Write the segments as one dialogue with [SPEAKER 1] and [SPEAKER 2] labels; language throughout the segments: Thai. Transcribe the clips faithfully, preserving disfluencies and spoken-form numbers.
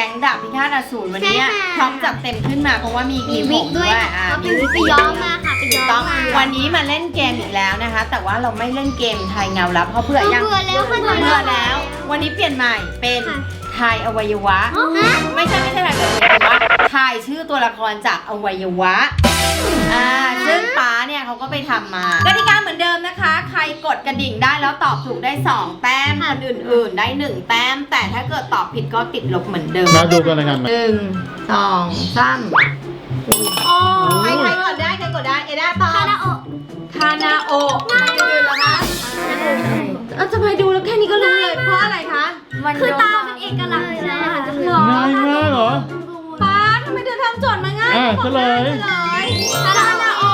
[SPEAKER 1] ก๊งดาบพิฆาตอสูรวันนี้พร้อมจัดเต็มขึ้นมาเพราะว่ามี
[SPEAKER 2] มีวิกด้วย
[SPEAKER 1] อ่า
[SPEAKER 2] มีวิกไปย้อมมาค่ะไปย้อมมา
[SPEAKER 1] วันนี้มาเล่นเกมอีกแล้วนะคะแต่ว่าเราไม่เล่นเกมทายเงาลับเพราะเผื่อยัง
[SPEAKER 2] เบื่อแล้ว
[SPEAKER 1] เบื่อแล้ว วันนี้เปลี่ยนใหม่เป็นทายอวัยวะไม่ใช่ไม่ใช่ทายอวัยวะทายชื่อตัวละครจากอวัยวะอ่าซึ่งป๊าเนี่ยเขาก็ไปทำมากติกาเหมือนเดิมนะคะใครกดกระดิ่งได้แล้วตอบถูกได้สองแต้มคนอื่นๆได้หนึ่งแต้มแต่ถ้าเกิดตอบผิดก็ติดลบเหมือนเดิม
[SPEAKER 3] มาดูกันเลยกัน
[SPEAKER 1] หนึ่งสองสามใครใครกดได้ใครกดได้เอด้าตอบ
[SPEAKER 2] คาราโอ
[SPEAKER 1] คานาโอะดูแล้วคะเออทำไมดูแล้วแค่นี้ก็รู้เลยเพราะอะไรคะ
[SPEAKER 2] คือตาเป็นเอกลักษณ์เลยนะคะ
[SPEAKER 1] หรอ
[SPEAKER 3] ง่ายมากเหรอ
[SPEAKER 1] ป๊าทำไมเธอทำโจทย์มาง่าย
[SPEAKER 3] อ่ะ
[SPEAKER 1] บอก
[SPEAKER 3] เฉลย
[SPEAKER 1] เฉลยคานาโอะ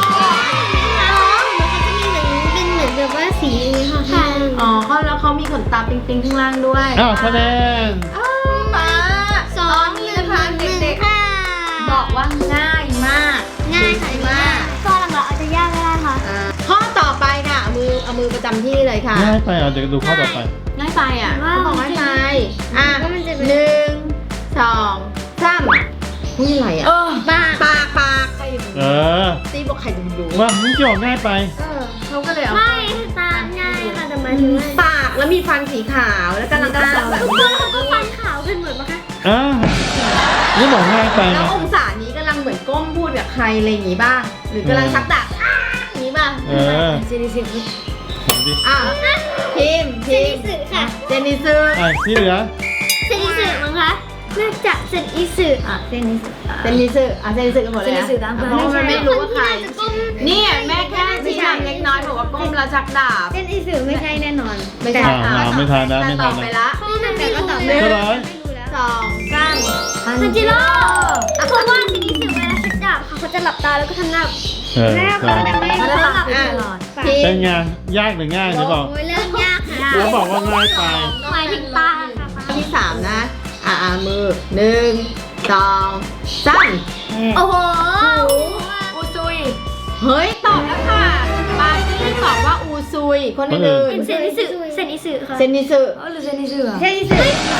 [SPEAKER 2] เป็นเหมือนแบบว่าสีค่ะ
[SPEAKER 1] อ๋อเขาแล้วเขามีขนตาปิ๊งๆข้างล่างด้วย
[SPEAKER 3] อ้าวคะแนน
[SPEAKER 1] อ้าวป๊า
[SPEAKER 2] สอ
[SPEAKER 1] ตอง นนี้นะคะเด็ก
[SPEAKER 2] ค่ะ
[SPEAKER 1] ๆบอกว่าง่ายมาก
[SPEAKER 2] ง่ายค่ะ
[SPEAKER 1] มาก
[SPEAKER 2] ก็หลังๆอาจจะยากก็ได้ค่ะ
[SPEAKER 1] อ่าข้อต่อไปค่ะเอามือเอามือประจำที่เลยค่ะ
[SPEAKER 3] ง่ายไปอ่ะเดี๋ยวดูข้อต่อไป
[SPEAKER 1] ง่ายไปอ่ะ
[SPEAKER 2] ว้าว
[SPEAKER 1] เขาบอกง่ายไปอ่ะ
[SPEAKER 2] ว่ามันจะเป็น
[SPEAKER 1] หนึ่งสองสามอุ้ยอะไรอ่ะ
[SPEAKER 2] บ้า
[SPEAKER 1] ปากปากใคร
[SPEAKER 3] เออ
[SPEAKER 1] ตีบอกใครจะดู
[SPEAKER 3] ว่ามึงจะบอกง่ายไป
[SPEAKER 1] เออเขาก็เลยเอา
[SPEAKER 2] ไม่ตาง่ายค่ะแต่หมายถึงว่า
[SPEAKER 1] ปากแล้วมีฟันสีขาวแล้วกำลังจะสับแบบ
[SPEAKER 2] ทุกคนเขาก็ฟันขาวกันหมดปะคะ
[SPEAKER 3] อ่านี่บอกง่ายไป
[SPEAKER 1] แล้ว
[SPEAKER 3] นะ
[SPEAKER 1] องศานี้กำลังเหมือนก้มพูดกับใครอะไรอย่างงี้บ้างหรือกำลังชักดาบอ้าอย่างงี้บ้าง
[SPEAKER 3] เออ
[SPEAKER 1] เจนิสึ
[SPEAKER 3] เห็นดิ
[SPEAKER 1] อ่ะพิมพ์
[SPEAKER 2] เซ
[SPEAKER 1] พิ
[SPEAKER 2] นิ
[SPEAKER 1] มพ์
[SPEAKER 2] สึค่ะ
[SPEAKER 1] เจนิสึ
[SPEAKER 3] อ่ะที่เหลือ
[SPEAKER 2] เซนิสึมั้งคะน่าจะเซนิสึ
[SPEAKER 1] อ่ะเจนิสึเจนิสึอ่ะเจนิสึกันหมดเลยนะเพราะว่ามันไม่รู้ว่าใคร นี่แม่แค่ชี้นำเล็กน้อยบอกว่าก้มแล้วชักดาบ
[SPEAKER 2] เซนิสึไม่ใช่แน่นอน
[SPEAKER 1] ไม่ใช่
[SPEAKER 3] อ่าไม่ทันนะไม่ทันนะ
[SPEAKER 1] แต่ตอบไปละ
[SPEAKER 2] แต่ก็ตอบ
[SPEAKER 1] ห
[SPEAKER 2] ไม่
[SPEAKER 1] นึ่ง
[SPEAKER 3] เท่าไหร่
[SPEAKER 2] รู้แล้ว
[SPEAKER 1] สองสาม
[SPEAKER 2] ซันจิโร่เพราะว่าเซนิสึเวลาชักดาบเขาเขาจะหลับตาแล้วก็ทำหน้า
[SPEAKER 3] เออ
[SPEAKER 2] แม่
[SPEAKER 3] ใช่
[SPEAKER 2] เขาจะไม่เขาหลับ
[SPEAKER 1] อ่ะ
[SPEAKER 2] ตลอด
[SPEAKER 1] พิ
[SPEAKER 3] เป็น
[SPEAKER 1] มพ์
[SPEAKER 3] ไงยากหรือง่ายเดี๋ยวบอก
[SPEAKER 2] โอ้ยเรื่องยากค่ะ
[SPEAKER 3] แล้วบอกว่าง่ายไป
[SPEAKER 2] หมายถึงตาค่ะ
[SPEAKER 1] ข้อที่สามนะ อ่ะอ่ะมือหนึ่งสองสาม
[SPEAKER 2] โอ้โห
[SPEAKER 1] อูซุย เฮ้ย ตอบแล้วค่ะปาจี้ตอบว่าอูซุย คนอื่น
[SPEAKER 2] เซนิสึเซนิสึค่ะ
[SPEAKER 1] เซนิสึ
[SPEAKER 2] หรือเซนิสึอะ
[SPEAKER 1] เซนิสึ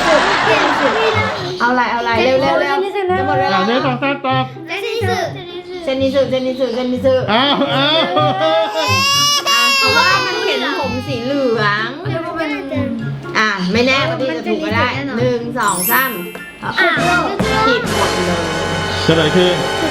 [SPEAKER 1] เอาอะไรเอาอะไรเร็วเร็วเร็วจะหมดเวลา
[SPEAKER 3] อ่าเนี่ยต้องตอบตอบ
[SPEAKER 2] เซนิสึ
[SPEAKER 1] เซนิสึเซนิสึเซนิสึ
[SPEAKER 3] อ้าวอ้าว
[SPEAKER 1] อ่ะเพราะว่ามันเห็นผมสีเหลือง อ่ะ ไม่แน่ว่าที่จะถูกก็ได้หนึ่งสองสาม
[SPEAKER 2] อ่ะ
[SPEAKER 1] ผิดหมดเลย
[SPEAKER 3] เฉลยคือ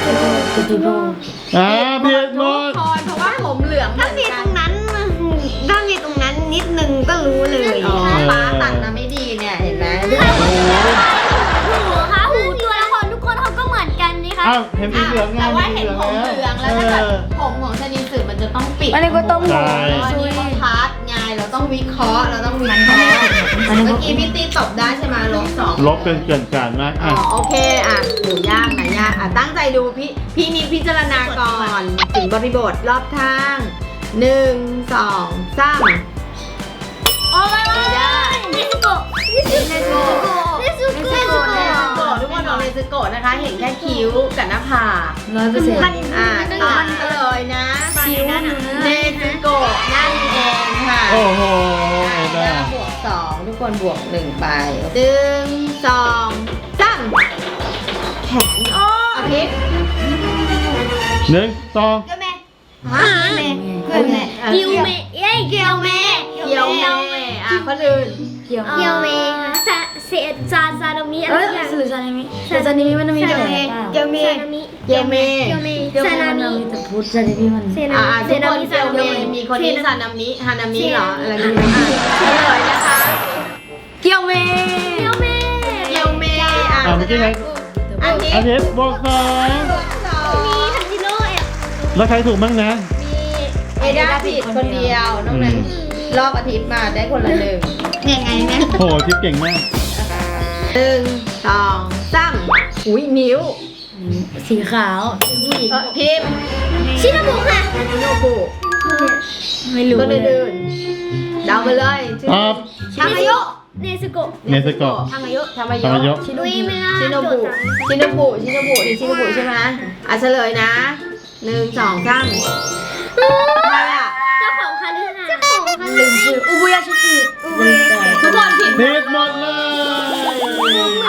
[SPEAKER 3] อ่าเพียรหม
[SPEAKER 1] ทุก
[SPEAKER 3] ด
[SPEAKER 1] คนเพราะว่าผมเหลืองเหมื
[SPEAKER 2] ถ้า
[SPEAKER 1] อน
[SPEAKER 2] มี
[SPEAKER 1] กั
[SPEAKER 2] ต
[SPEAKER 1] น
[SPEAKER 2] รงนั้นถ้ามีตรงนั้นนิดนึงก็รู้เลย
[SPEAKER 1] อ๋อป้าตัดมาไม่ดีเนี่ยเห็นไหม
[SPEAKER 3] โอ้โห
[SPEAKER 2] หูค่ะหูตัวละครทุกคนเขาก็เหมือนกันนี่ค่ะ
[SPEAKER 3] อ้าวเห็นสีเหลืองไง
[SPEAKER 1] แต่ว่าเห็นผมเหลืองแล้วถ้าเกิด
[SPEAKER 3] เออ
[SPEAKER 1] ผมของชนิดสื่อมันจะต้องปิด
[SPEAKER 4] อันนี้ก็ต้อง
[SPEAKER 3] ใช่
[SPEAKER 1] อันนี้ก็พาร์ทไงเราต้องวิเคราะห์เราต้องวิเคราะห์เมื่อกี้พี่ตีตบได้ใช่ไหมลบสอง
[SPEAKER 3] ลบเป็นเกินการมาก
[SPEAKER 1] อ๋
[SPEAKER 3] อ่ะ
[SPEAKER 1] อโอเคอ่ะหนูยากไหนยากอ่ะตั้งใจดูพี่พี่นิดพิจารณาก่อนถึงบริบทรอบข้างหนึ่งสองสาม
[SPEAKER 2] โอ้ยเนสโกะเนสโกะเนส
[SPEAKER 1] เน
[SPEAKER 2] โกะ
[SPEAKER 1] ซึโกะเนซึโกะทุกคนบอกเนซึโกะนะคะ เห็นแค่คิ้วกับหน้าผาก
[SPEAKER 4] ร้อยเปอร์เซ็นต์
[SPEAKER 1] อ่ะตอนเลยนะ
[SPEAKER 2] คิ้ว
[SPEAKER 1] เนซึโกะนั่นเองค่ะ
[SPEAKER 3] โอ้โหเอ
[SPEAKER 1] อ่ะ
[SPEAKER 3] ด้า
[SPEAKER 1] บวกสองทุกคนบวกหนึ่งไปหนึ่งสองสามแขนโอ้อาทิตย์
[SPEAKER 3] หนึ่งสอง
[SPEAKER 2] ก็แม่
[SPEAKER 1] ฮะเพื่อนแม่
[SPEAKER 2] กิวเมะเอ้ยเกียวเมะ
[SPEAKER 1] เกียวเมอ่ะคนอื่น
[SPEAKER 4] เกี่ยว
[SPEAKER 2] เกียวเมะซาเซซาซาโนมิอะไร
[SPEAKER 4] เอ้ย
[SPEAKER 2] สักอย่าง
[SPEAKER 4] สื่อซานิมิสื่อซานิมิมันมีแต่
[SPEAKER 2] เกียวเมะ
[SPEAKER 1] เกียวเม
[SPEAKER 2] เกียวเมะซานามิ
[SPEAKER 4] มีแต่พูดซานิมิมัน
[SPEAKER 2] เซนา
[SPEAKER 1] อ่า
[SPEAKER 2] มิเซ
[SPEAKER 1] ทุก
[SPEAKER 2] นา
[SPEAKER 1] คน
[SPEAKER 2] มิ
[SPEAKER 1] เกียวเมมีคนที่ซานามิฮานามิเหรออะไรนี่อ่ะเฉลยนะคะ
[SPEAKER 4] เกี่ยวเม
[SPEAKER 2] เกียวเมะ
[SPEAKER 1] เกียวเมอ่ะ
[SPEAKER 3] อ่าเมื่อกี้ไง
[SPEAKER 1] อันนี้
[SPEAKER 3] อาทิตย์บวกสอง
[SPEAKER 1] สอง
[SPEAKER 2] มีทันจิโร่แอบ
[SPEAKER 3] แล้วใครถูกบ้างนะ
[SPEAKER 1] มีเอด้าผิดคนเดียวนอกนั้นรอบอาทิตย์มาได้คนละหนึ่ง
[SPEAKER 2] ยังไงเนี่ย
[SPEAKER 3] โหทิปเก่งมาก
[SPEAKER 1] หนึ่งสองสามอุ้ยนิ้ว
[SPEAKER 4] สีขาวผู้หญิง
[SPEAKER 1] เออพิมพ์
[SPEAKER 2] ชินาบุค่ะ
[SPEAKER 1] ชิโนบุ
[SPEAKER 4] ไม่รู้
[SPEAKER 1] คน
[SPEAKER 4] เลย
[SPEAKER 1] อื่นๆเดาไปเลยชื่อ
[SPEAKER 3] ตอบ
[SPEAKER 1] ทามายุ
[SPEAKER 2] เนสโกะ
[SPEAKER 3] เนสโกะ
[SPEAKER 1] ทามายุทามา
[SPEAKER 3] ทามายุ
[SPEAKER 1] ยุ
[SPEAKER 2] ดุยไม่น่า
[SPEAKER 1] ชิโนบุชิโนบุชิโนบุนี่ชิโนบุใช่ไหมอ่ะเฉลยนะหนึ่งสองสามใครอ่ะ
[SPEAKER 2] เจ้าของคาลือเจ้าของคาลื
[SPEAKER 4] ลื
[SPEAKER 2] อ
[SPEAKER 4] มชื่ออุบุยาชิกิ
[SPEAKER 1] ทุกคนผิด
[SPEAKER 3] ผิดหมดเลย
[SPEAKER 2] อ๋อ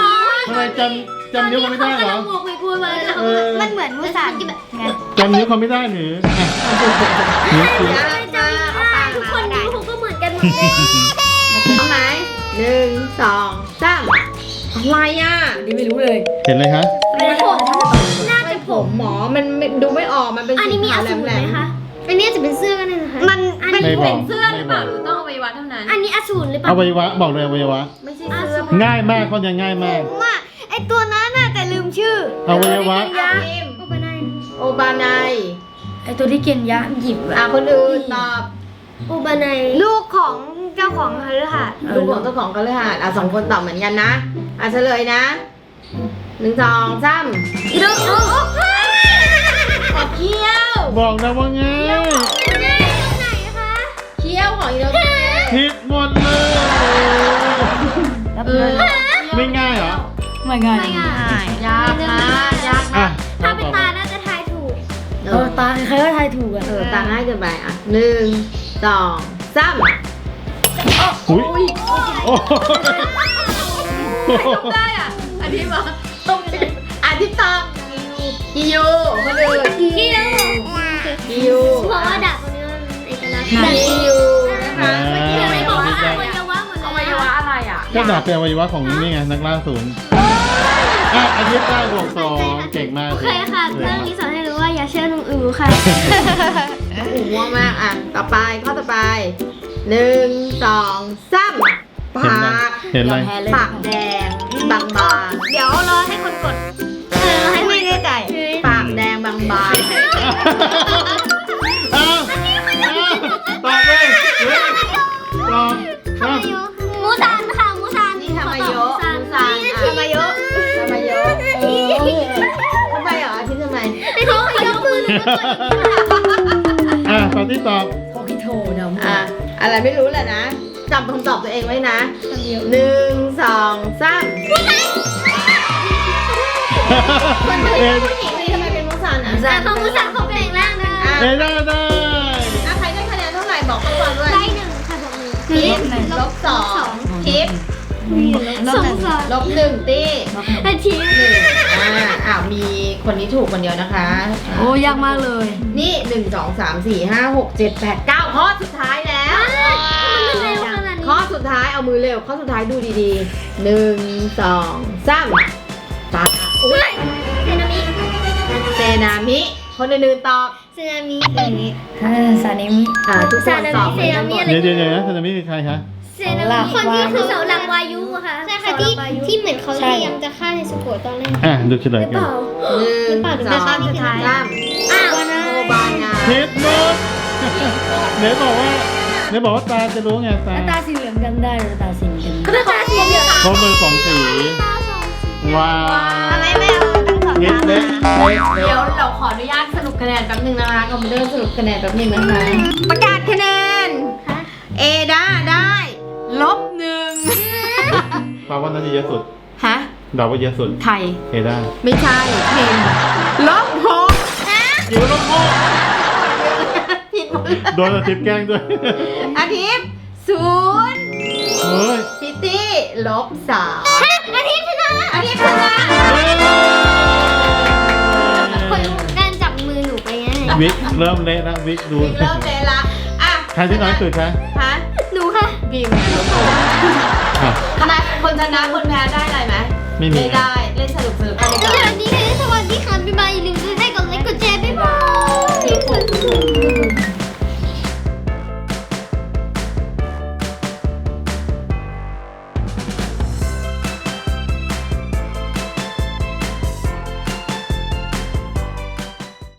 [SPEAKER 3] ทำไมจำจำนิ้วเขาไม่ได้เหรอ
[SPEAKER 2] หมวกไปกลัวมา
[SPEAKER 3] เออ
[SPEAKER 2] มันเหมือนมูสันไง
[SPEAKER 3] จำนิ้วเขาไม่ได้หรืออ่ะนิ้วชี้
[SPEAKER 2] ทุกคนนิ้วเขาก็เหมือนกันหมดเลย
[SPEAKER 1] เอาไหมหนึ่งสองสามอะไรอ่ะ
[SPEAKER 4] นี่ไม่รู้เลย
[SPEAKER 3] เห็นเลยคะ
[SPEAKER 2] ผมน่าจะ
[SPEAKER 1] ผมหมอมันไม่ดูไม่ออกมันเป็น
[SPEAKER 2] อัน
[SPEAKER 1] สี
[SPEAKER 2] นี้มี
[SPEAKER 1] ขา
[SPEAKER 2] อ
[SPEAKER 1] ว
[SPEAKER 2] สูร
[SPEAKER 1] แห
[SPEAKER 2] ไห
[SPEAKER 1] ล
[SPEAKER 2] ม
[SPEAKER 1] ม
[SPEAKER 2] คะอันนี้จะเป็นเสื้อกันเลยนะคะมันอัน
[SPEAKER 3] ไม่
[SPEAKER 2] นี้
[SPEAKER 3] บอก
[SPEAKER 1] เสื้อหรือ
[SPEAKER 3] ไม่
[SPEAKER 1] เป
[SPEAKER 3] บ
[SPEAKER 1] ล่า
[SPEAKER 3] อก
[SPEAKER 1] หรือต้องอวัยวะเท่านั้น
[SPEAKER 2] อันนี้อสูรหรือเป
[SPEAKER 3] อ
[SPEAKER 2] ล่า
[SPEAKER 3] วัยวะบอกเลยอวัยวะ
[SPEAKER 1] ไม่ใช่เสื้อ
[SPEAKER 3] ง่ายมากเขาจะง่ายมาก
[SPEAKER 2] ผมอ่ะไอตัวนั้นน่ะแต่ลืมชื่อ
[SPEAKER 3] อวัยวะ
[SPEAKER 1] อาพิม
[SPEAKER 2] โอปานาย
[SPEAKER 1] โอบานาย
[SPEAKER 4] ไอตัวที่เกียนยะหยิบ
[SPEAKER 1] อ่ะคนอื่นตอบ
[SPEAKER 2] โอบานายลูกของเจ้าของคฤหาสน์
[SPEAKER 1] ลูกของเจ้าของก็เลยหาดอ่ะสองคนตอบเหมือนกันนะอ่ะเฉลยนะหนึ่งสองสาม
[SPEAKER 2] อีโดโอ้โห
[SPEAKER 1] ขอเคี้ยว
[SPEAKER 3] บอกนะว่าง่าย
[SPEAKER 2] ตรงไหนคะ
[SPEAKER 1] เคี้ยวของอีโดเ
[SPEAKER 3] ผิดหมดเลย
[SPEAKER 4] รับ
[SPEAKER 1] เอ
[SPEAKER 4] เล
[SPEAKER 1] อย
[SPEAKER 3] ไม่ง่ายเหรอ
[SPEAKER 4] ไม่ง่าย
[SPEAKER 2] ไม่ง่าย
[SPEAKER 1] ยากมากยาก
[SPEAKER 3] อ่ะ
[SPEAKER 2] ถ้าเป็นตาน่าจะทายถูก
[SPEAKER 1] เอ
[SPEAKER 4] เอ
[SPEAKER 1] อ
[SPEAKER 4] อตาใครก็ทายถูกอ่ะ
[SPEAKER 1] เออตาง่ายเกินไปอ่ะหนึ่งสองสาม
[SPEAKER 3] อุ้ยโอ้ย
[SPEAKER 1] ได้อ่ะอันนี้มาต้องอันที่ตอบกิยูคนอื่น
[SPEAKER 2] กิโล
[SPEAKER 1] กิยู
[SPEAKER 2] เพราะว่าดาบคนนี้มันเอกลักษณ์
[SPEAKER 1] กิยูนะคะ
[SPEAKER 2] เมื่อกี้ไม่บอกว่าอวัยวะหมด
[SPEAKER 1] อ
[SPEAKER 2] เล
[SPEAKER 1] วั
[SPEAKER 2] ย
[SPEAKER 1] ยวะอะไรอ่ะ
[SPEAKER 3] ก็ดาบเป็นอวัยวะของนี่ไงนักล่าศูนย์อ่ะอาทิตย์ได้บวกสองเก่งมาก
[SPEAKER 2] โอเคค่ะเรื่องนี้สอนให้รู้ว่าอย่าเชื่อลุงอือค่ะ
[SPEAKER 1] อู๋ว่ามากอ่ะต่อไปข้อต่อไปหนึ่งสองสามปาก
[SPEAKER 3] เห็นไหม
[SPEAKER 1] ปากแดงบางบาง
[SPEAKER 2] เดี๋ยวรอให้คนกดเออให้ไม่ได้ใจ
[SPEAKER 1] ๆปากแดงบางบาง
[SPEAKER 3] อ้าวตอบเลยตอบตอบ
[SPEAKER 2] มูซานค่ะมูซาน
[SPEAKER 1] นี่ทำไมโย
[SPEAKER 2] มู
[SPEAKER 1] ะ
[SPEAKER 2] ซาน
[SPEAKER 1] ซาน
[SPEAKER 2] ทำไมโย
[SPEAKER 1] ทำไมโยะเออทำไมเหรออาทิตย์ทำไม
[SPEAKER 2] ไม่เขายกมือหรือไม่กด
[SPEAKER 3] อ่ะตอนที่ตอบ
[SPEAKER 4] โคคิโทเดา
[SPEAKER 1] อ่ะอะไรไม่รู้แหละนะจำคำตอบตัวเองไว้นะหนึ่งสองสาม
[SPEAKER 3] เอ็น
[SPEAKER 1] ผู้หญิงนี่ทำไมเป็นมุสันอ่ะ
[SPEAKER 2] แต่เขามูซานเขาแปลงร่างนะ
[SPEAKER 3] เอ็นได้ได้
[SPEAKER 1] อ่ะใครได้คะแนนเท่าไหร่บอกเขาก่อนด้วย
[SPEAKER 2] ได้หนึ่งค่ะผม
[SPEAKER 1] ทิปลบสองทิป
[SPEAKER 2] สองสอง
[SPEAKER 1] ลบหนึ่งตี
[SPEAKER 2] อาทิตย์
[SPEAKER 1] หนึ่งอ่าอ้าวมีคนนี้ถูกคนเดียวนะคะ
[SPEAKER 4] โอ้ยากมากเลย
[SPEAKER 1] นี่หนึ่งสองสามสี่ห้าหกเจ็ดแปดเก้าข้อสุดท้ายแล้ว
[SPEAKER 2] มันเร็วขนาดนี้
[SPEAKER 1] ข้อสุดท้ายเอามือเร็วข้อสุดท้ายดูดีๆหนึ่งสองสามตาอุ้ย
[SPEAKER 2] เซนามิ
[SPEAKER 1] เซนามิคนอื่นๆตอบ
[SPEAKER 2] เซนามิอย่างนี้
[SPEAKER 4] ถ้าซานิมิ
[SPEAKER 1] อ่าทุกคนตอบเหมือนกันหมด
[SPEAKER 2] เซนามิ
[SPEAKER 3] เดี๋ยวเดี๋ยวเดี๋ยวนะทันมิคือใครคะ
[SPEAKER 2] เซนามิคนที่คือเสาหลักวายุอะค่ะใช่ค่ะที่ที่เหมือนเขาพยายามจะฆ่าเนสโกะตอนแรก
[SPEAKER 3] อ่ะดูเฉลย
[SPEAKER 2] หรือ
[SPEAKER 3] กั
[SPEAKER 2] เป
[SPEAKER 3] น
[SPEAKER 2] ล่า
[SPEAKER 1] หนึ่งสองสาม
[SPEAKER 2] อ้าว
[SPEAKER 1] โอบานา
[SPEAKER 3] ผิดหมดไหนบอกว่าไหนบอกว่าตาจะรู้ไงตา
[SPEAKER 4] แล้วตาสีเหลืองจำได้หรือตาสีเหลือง
[SPEAKER 2] ก็ตาสีเหลือง
[SPEAKER 3] เขามือสองสีว้าว
[SPEAKER 2] ทำไมไม่เอาทั้งสอง
[SPEAKER 3] เล็
[SPEAKER 2] ตาก
[SPEAKER 3] เล็กเล็ก
[SPEAKER 1] เดี๋ยวเราขออนุญาตสรุปคะแนนแป๊บนึงนะคะคอมพิวเตอร์สรุปคะแนนแป๊บนึงนะคะ ประกาศคะแนน เอด้าได้ลบหนึ่ง
[SPEAKER 3] ปาว่าน่าจะเยอะสุด
[SPEAKER 1] ฮะ
[SPEAKER 3] เดาว่าเยอะสุด
[SPEAKER 1] ไทย
[SPEAKER 3] เอด้า
[SPEAKER 1] ไม่ใช่เพนลบหก
[SPEAKER 3] จิ๋วลบหก
[SPEAKER 1] ผิดหมดเลย
[SPEAKER 3] โดนอาทิตย์แกล้งด้วย
[SPEAKER 1] อาทิตย์ศูนย์
[SPEAKER 3] เฮ้ย
[SPEAKER 1] พิตตี้ลบสาม
[SPEAKER 2] อาทิตย์ชนะ
[SPEAKER 1] อาทิตย์ชนะ
[SPEAKER 2] คนการจับมือหนูไปไง
[SPEAKER 3] วิกเริ่มเละแล้ววิกดู
[SPEAKER 1] พิมเริ่มเลยละอ่ะ
[SPEAKER 3] ใครที่น้อยสุดคะ
[SPEAKER 1] ฮะ
[SPEAKER 2] หนูค่ะ
[SPEAKER 1] พิมลบหก
[SPEAKER 3] อ่ะ
[SPEAKER 1] คณะคนชนะคนแพ้ได้อะไรไหม
[SPEAKER 3] ไม่มี
[SPEAKER 1] ไม่ได้